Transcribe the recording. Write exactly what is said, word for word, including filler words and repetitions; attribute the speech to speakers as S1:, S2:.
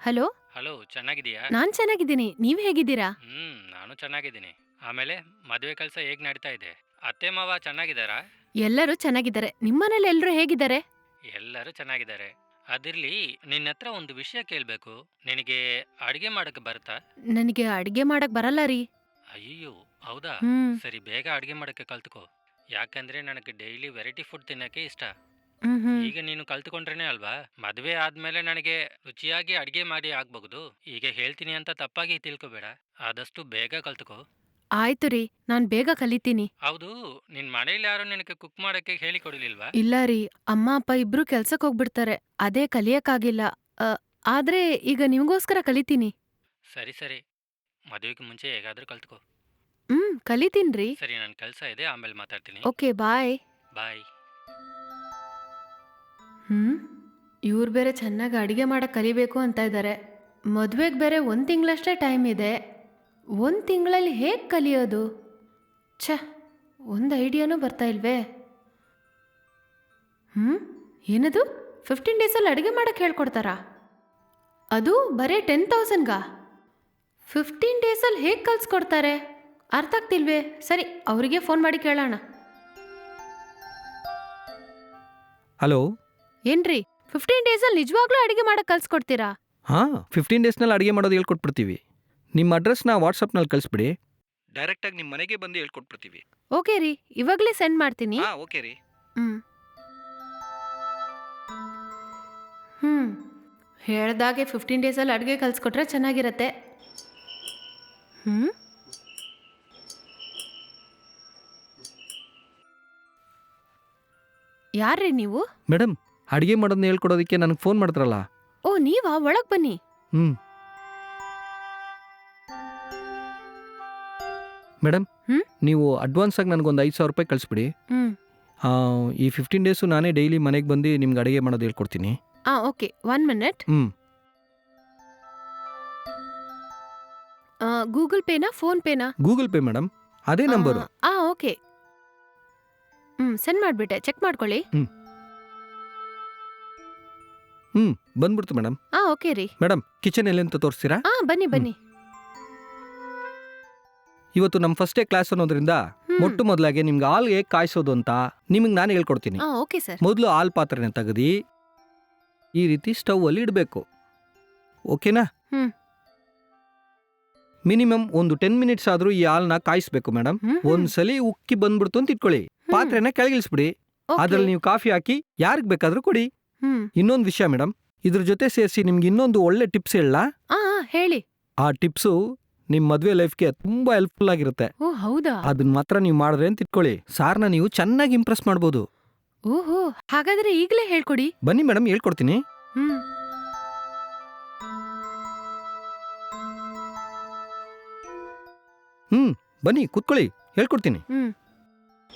S1: Hello.
S2: Hello, ಚೆನ್ನಾಗಿದೀಯಾ?
S1: ನಾನ್ ಚೆನ್ನಾಗಿದ್ದೀನಿ. ನೀವ್ ಹೇಗಿದ್ದೀರಾ?
S2: ಹ್ಮ್, ನಾನು ಚೆನ್ನಾಗಿದ್ದೀನಿ. ಆಮೇಲೆ ಮದುವೆ ಕೆಲಸ ಹೇಗ್ ನಡೀತಾ ಇದೆ? ಅತ್ತೆ ಮಾವ ಚೆನ್ನಾಗಿದ್ದಾರಾ?
S1: ಎಲ್ಲರೂ ಚೆನ್ನಾಗಿದ್ದಾರೆ. ನಿಮ್ಮನೇಲಿ ಎಲ್ರೂ ಹೇಗಿದ್ದಾರೆ?
S2: ಎಲ್ಲರೂ ಚೆನ್ನಾಗಿದ್ದಾರೆ. ಅದಿರ್ಲಿ, ನಿನ್ನ ಹತ್ರ ಒಂದು ವಿಷಯ ಕೇಳ್ಬೇಕು. ನಿನಗೆ ಅಡಿಗೆ ಮಾಡಕ್ಕೆ ಬರುತ್ತಾ?
S1: ನನಗೆ ಅಡ್ಗೆ ಮಾಡಕ್ ಬರಲ್ಲ ರೀ.
S2: ಅಯ್ಯೋ, ಹೌದಾ?
S1: ಹ್ಮ್.
S2: ಸರಿ, ಬೇಗ ಅಡಿಗೆ ಮಾಡಕ್ಕೆ ಕಲ್ತ್ಕೋ. ಯಾಕಂದ್ರೆ ನನಗೆ ಡೈಲಿ ವೆರೈಟಿ ಫುಡ್ ತಿನ್ನಕ್ಕೆ ಇಷ್ಟ.
S1: ಹ್ಮ್ ಹ್ಮ್.
S2: ಈಗ ನೀನು ಕಲ್ತ್ಕೊಂಡ್ರೇನೆ ಅಲ್ವಾ ಮದುವೆ ಆದ್ಮೇಲೆ ನನಗೆ ರುಚಿಯಾಗಿ ಅಡಿಗೆ ಮಾಡಿ ಆಗ್ಬಹುದು. ಈಗ ಹೇಳ್ತೀನಿ ಅಂತ ತಪ್ಪಾಗಿ ತಿಳ್ಕೊಬೇಡ. ಆದಷ್ಟು ಬೇಗ ಕಲ್ತ್ಕೋ.
S1: ಆಯ್ತು ರೀ, ನಾನ್ ಬೇಗ ಕಲಿತೀನಿ.
S2: ಹೌದು, ನಿನ್ ಮನೇಲಿ ಯಾರು ನಿನಗೆ ಕುಕ್ ಮಾಡಕ್ಕೆ ಹೇಳಿ ಕೊಡಲಿಲ್ವಾ?
S1: ಇಲ್ಲ ರೀ, ಅಮ್ಮ ಅಪ್ಪ ಇಬ್ರು ಕೆಲ್ಸಕ್ ಹೋಗ್ಬಿಡ್ತಾರೆ. ಅದೇ ಕಲಿಯಕ್ಕಾಗಿಲ್ಲ. ಅ, ಆದ್ರೆ ಈಗ ನಿಮ್ಗೋಸ್ಕರ ಕಲಿತೀನಿ.
S2: ಸರಿ ಸರಿ, ಮದುವೆಗೆ ಮುಂಚೆ ಹೇಗಾದ್ರೂ ಕಲ್ತ್ಕೋ.
S1: ಹ್ಮ್, ಕಲಿತೀನ್ರಿ.
S2: ಸರಿ, ನನ್ ಕೆಲಸ ಇದೆ, ಆಮೇಲೆ ಮಾತಾಡ್ತೀನಿ.
S1: ಓಕೆ, ಬಾಯ್.
S2: ಬಾಯ್.
S1: ಹ್ಮ್, ಇವ್ರು ಬೇರೆ ಚೆನ್ನಾಗಿ ಅಡಿಗೆ ಮಾಡಕ್ ಕಲಿಬೇಕು ಅಂತ ಇದ್ದಾರೆ. ಮದ್ವೆಗ್ ಬೇರೆ ಒಂದ್ ತಿಂಗಳಷ್ಟೇ ಟೈಮ್ ಇದೆ. ಒಂದ್ ತಿಂಗಳಲ್ಲಿ ಹೇಗ್ ಕಲಿಯೋದು? ಛ, ಒಂದ್ ಐಡಿಯಾನೂ ಬರ್ತಾ ಇಲ್ವೇ. ಹ್ಮ್, ಏನದು? ಫಿಫ್ಟೀನ್ ಡೇಸಲ್ಲಿ ಅಡಿಗೆ ಮಾಡಕ್ ಹೇಳ್ಕೊಡ್ತಾರಾ? ಅದು ಬರೀ ಟೆನ್ ತೌಸಂಡ್ಗಾ? ಫಿಫ್ಟೀನ್ ಡೇಸಲ್ಲಿ ಹೇಗ್ ಕಲ್ಸ್ಕೊಡ್ತಾರೆ? ಅರ್ಥ ಆಗ್ತಿಲ್ವೇ. ಸರಿ, ಅವರಿಗೆ ಫೋನ್ ಮಾಡಿ ಕೇಳೋಣ.
S3: ಹಲೋ.
S1: ಏನ್ರಿ, ಫಿಫ್ಟೀನ್ ಡೇಸಲ್ಲಿ ನಿಜವಾಗ್ಲೂ ಅಡಿಗೆ ಮಾಡಕ್ ಕಲ್ಸ್ಕೊಡ್ತೀರಾ?
S3: ಹಾಂ, ಫಿಫ್ಟೀನ್ ಡೇಸ್ನಲ್ಲಿ ಅಡುಗೆ ಮಾಡೋದು ಹೇಳ್ಕೊಟ್ಬಿಡ್ತೀವಿ. ನಿಮ್ಮ ಅಡ್ರೆಸ್ನ ವಾಟ್ಸಪ್ನಲ್ಲಿ ಕಳಿಸ್ಬಿಡಿ. ಡೈರೆಕ್ಟಾಗಿ ನಿಮ್ಮ ಮನೆಗೆ ಬಂದು ಹೇಳ್ಕೊಟ್ಬಿಡ್ತೀವಿ.
S1: ಓಕೆ ರೀ, ಇವಾಗ್ಲೇ ಸೆಂಡ್ ಮಾಡ್ತೀನಿ.
S3: ಹಾಂ, ಓಕೆ ರೀ.
S1: ಹ್ಮ್ ಹ್ಮ್ ಹೇಳ್ದಾಗೆ ಫಿಫ್ಟೀನ್ ಡೇಸಲ್ಲಿ ಅಡುಗೆ ಕಲಿಸ್ಕೊಟ್ರೆ ಚೆನ್ನಾಗಿರತ್ತೆ. ಹ್ಮ್ ಯಾರ್ರೀ ನೀವು?
S3: ಮೇಡಮ್, ಅಡುಗೆ ಮಾಡೋದನ್ನ ಹೇಳ್ಕೊಡೋದಕ್ಕೆ ನನಗೆ ಫೋನ್ ಮಾಡ್ತಾರಲ್ಲ.
S1: ಓ, ನೀವಾ? ಒಳಗ್ ಬನ್ನಿ.
S3: ಹ್ಞೂ ಮೇಡಮ್,
S1: ಹ್ಮ್?
S3: ನೀವು ಅಡ್ವಾನ್ಸಾಗಿ ನನಗೊಂದು ಐದು ಸಾವಿರ ರೂಪಾಯಿ ಕಳಿಸ್ಬಿಡಿ.
S1: ಹ್ಮ್
S3: ಆ, ಈ ಫಿಫ್ಟೀನ್ ಡೇಸು ನಾನೇ ಡೈಲಿ ಮನೆಗೆ ಬಂದು ನಿಮ್ಗೆ ಅಡುಗೆ ಮಾಡೋದು ಹೇಳ್ಕೊಡ್ತೀನಿ.
S1: ಆ ಓಕೆ, ಒನ್ ಮಿನಿಟ್.
S3: ಹ್ಞೂ
S1: ಗೂಗಲ್ ಪೇನಾ ಫೋನ್ ಪೇನಾ?
S3: ಗೂಗಲ್ ಪೇ ಮೇಡಮ್, ಅದೇ ನಂಬರು.
S1: ಆ ಓಕೆ. ಹ್ಮ್ ಸೆಂಡ್ ಮಾಡ್ಬಿಟ್ಟೆ, ಚೆಕ್ ಮಾಡ್ಕೊಳ್ಳಿ.
S3: ಹ್ಞೂ ಹ್ಞೂ ಬಂದ್ಬಿಡ್ತು ಮೇಡಮ್.
S1: ಆ ಓಕೆ ರೀ.
S3: ಮೇಡಮ್, ಕಿಚನ್ ಎಲ್ಲಿ ಅಂತ ತೋರಿಸ್ತೀರಾ?
S1: ಆ ಬನ್ನಿ ಬನ್ನಿ.
S3: ಇವತ್ತು ನಮ್ಮ ಫಸ್ಟ್ ಡೇ ಕ್ಲಾಸ್ ಅನ್ನೋದ್ರಿಂದ
S1: ಹ್ಮ್.
S3: ಮೊಟ್ಟ ಮೊದಲಾಗಿ ನಿಮ್ಗೆ ಹಾಲು ಹೇಗೆ ಕಾಯಿಸೋದು ಅಂತ ನಿಮಗೆ ನಾನು ಹೇಳ್ಕೊಡ್ತೀನಿ.
S1: ಆ ಓಕೆ ಸರ್.
S3: ಮೊದಲು ಹಾಲು ಪಾತ್ರೆನ ತೆಗೆದು ಈ ರೀತಿ ಸ್ಟವ್ ಅಲ್ಲಿ ಇಡಬೇಕು. ಓಕೆನಾ?
S1: ಹ್ಮ್.
S3: ಮಿನಿಮಮ್ ಒಂದು ಟೆನ್ ಮಿನಿಟ್ಸ್ ಆದ್ರೂ ಈ ಹಾಲನ್ನ ಕಾಯಿಸ್ಬೇಕು ಮೇಡಮ್.
S1: ಹ್ಮ್, ಹ್ಮ್.
S3: ಒಂದ್ಸಲಿ ಉಕ್ಕಿ ಬಂದ್ಬಿಡ್ತು ಅಂತ ಇಟ್ಕೊಳ್ಳಿ,
S1: ಹ್ಮ್.
S3: ಪಾತ್ರೆನ ಕೆಳಗಿಳಿಸ್ಬಿಡಿ.
S1: ಓಕೆ.
S3: ಅದ್ರಲ್ಲಿ ನೀವು ಕಾಫಿ ಹಾಕಿ ಯಾರಿಗೆ ಬೇಕಾದ್ರೂ ಕೊಡಿ.
S1: ಹ್ಮ್.
S3: ಇನ್ನೊಂದು ವಿಷಯ ಮೇಡಮ್, ಇದ್ರ ಜೊತೆ ಸೇರಿಸಿ ನಿಮ್ಗೆ ಇನ್ನೊಂದು ಒಳ್ಳೆ ಟಿಪ್ಸ್ ಹೇಳಲಾ?
S1: ಆ ಆ, ಹೇಳಿ.
S3: ಆ ಟಿಪ್ಸು ನಿಮ್ಮ ಮದುವೆ ಲೈಫ್ಗೆ ತುಂಬಾ ಹೆಲ್ಪ್ಫುಲ್ ಆಗಿರುತ್ತೆ.
S1: ಓ ಹೌದಾ?
S3: ಅದನ್ನ ಮಾತ್ರ ನೀವು ಮಾಡಿದ್ರೆ ಅಂತ ಇಟ್ಕೊಳ್ಳಿ, ಸಾರ್ನ ನೀವು ಚೆನ್ನಾಗಿ ಇಂಪ್ರೆಸ್ ಮಾಡ್ಬೋದು.
S1: ಓಹೋ, ಹಾಗಾದ್ರೆ ಈಗಲೇ ಹೇಳ್ಕೊಡಿ.
S3: ಬನ್ನಿ ಮೇಡಮ್, ಹೇಳ್ಕೊಡ್ತೀನಿ.
S1: ಹ್ಮ್
S3: ಹ್ಮ್ ಬನ್ನಿ ಕೂತ್ಕೊಳ್ಳಿ, ಹೇಳ್ಕೊಡ್ತೀನಿ.
S1: ಹ್ಮ್